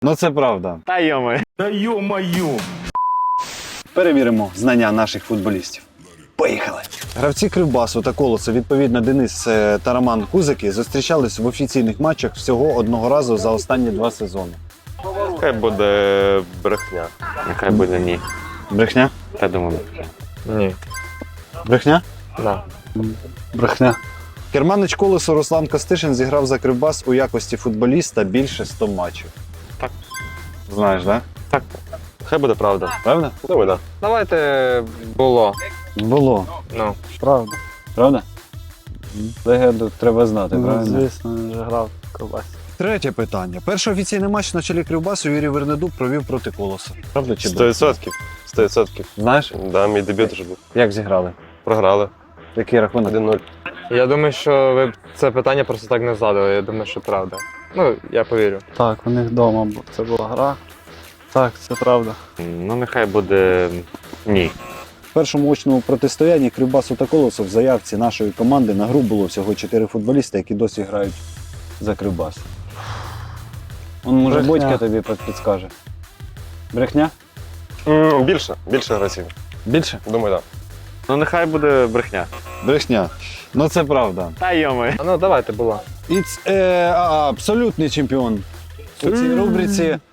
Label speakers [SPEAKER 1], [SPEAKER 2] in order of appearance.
[SPEAKER 1] Ну це правда.
[SPEAKER 2] Та йоми.
[SPEAKER 3] Да ё-моё!
[SPEAKER 1] Перевіримо знання наших футболістів. Поїхали! Гравці Кривбасу та Колоса, відповідно Денис та Роман Кузики, зустрічались в офіційних матчах всього одного разу за останні 2 сезони.
[SPEAKER 2] Хай буде брехня. Нехай буде ні.
[SPEAKER 1] Брехня?
[SPEAKER 2] Я думаю, брехня. Ні.
[SPEAKER 1] Брехня?
[SPEAKER 2] Да.
[SPEAKER 1] Брехня. Керманич Колесу Руслан Костишин зіграв за Кривбас у якості футболіста більше 100 матчів.
[SPEAKER 2] Так.
[SPEAKER 1] Знаєш, так?
[SPEAKER 2] Так. Хай буде правда.
[SPEAKER 1] Правда?
[SPEAKER 2] Думаю, да. Давайте було.
[SPEAKER 1] Було.
[SPEAKER 2] Ну.
[SPEAKER 4] Правда.
[SPEAKER 1] Правда? Легенду треба знати,
[SPEAKER 4] Ну,
[SPEAKER 1] правильно?
[SPEAKER 4] звісно, він вже грав в Кривбасі.
[SPEAKER 1] Третє питання. Перший офіційний матч на чолі Кривбасу Юрій Вернедуб провів проти Колоса. Правда чи брехня?
[SPEAKER 2] 100%. 100%.
[SPEAKER 1] Знаєш,
[SPEAKER 2] Да, мій дебют вже був.
[SPEAKER 1] як зіграли?
[SPEAKER 2] Програли.
[SPEAKER 1] Який рахунок?
[SPEAKER 2] 1-0.
[SPEAKER 5] Я думаю, що ви це питання просто так не задали. Я думаю, що правда. Ну, я повірю.
[SPEAKER 4] Так, у них вдома це була гра. Так, це правда.
[SPEAKER 2] Ну, нехай буде ні.
[SPEAKER 1] В першому очному протистоянні Кривбасу та Колосу в заявці нашої команди на гру було всього 4 футболіста, які досі грають за Кривбас. Он, може,
[SPEAKER 4] Брехня.
[SPEAKER 1] Бодька тобі підскаже. Брехня?
[SPEAKER 2] Більше гравців.
[SPEAKER 1] Більше?
[SPEAKER 2] Думаю, так. Ну, нехай буде брехня.
[SPEAKER 1] Брехня. Ну це правда.
[SPEAKER 2] Та йоми.
[SPEAKER 5] Ну, давайте було.
[SPEAKER 1] Абсолютний чемпіон у цій рубриці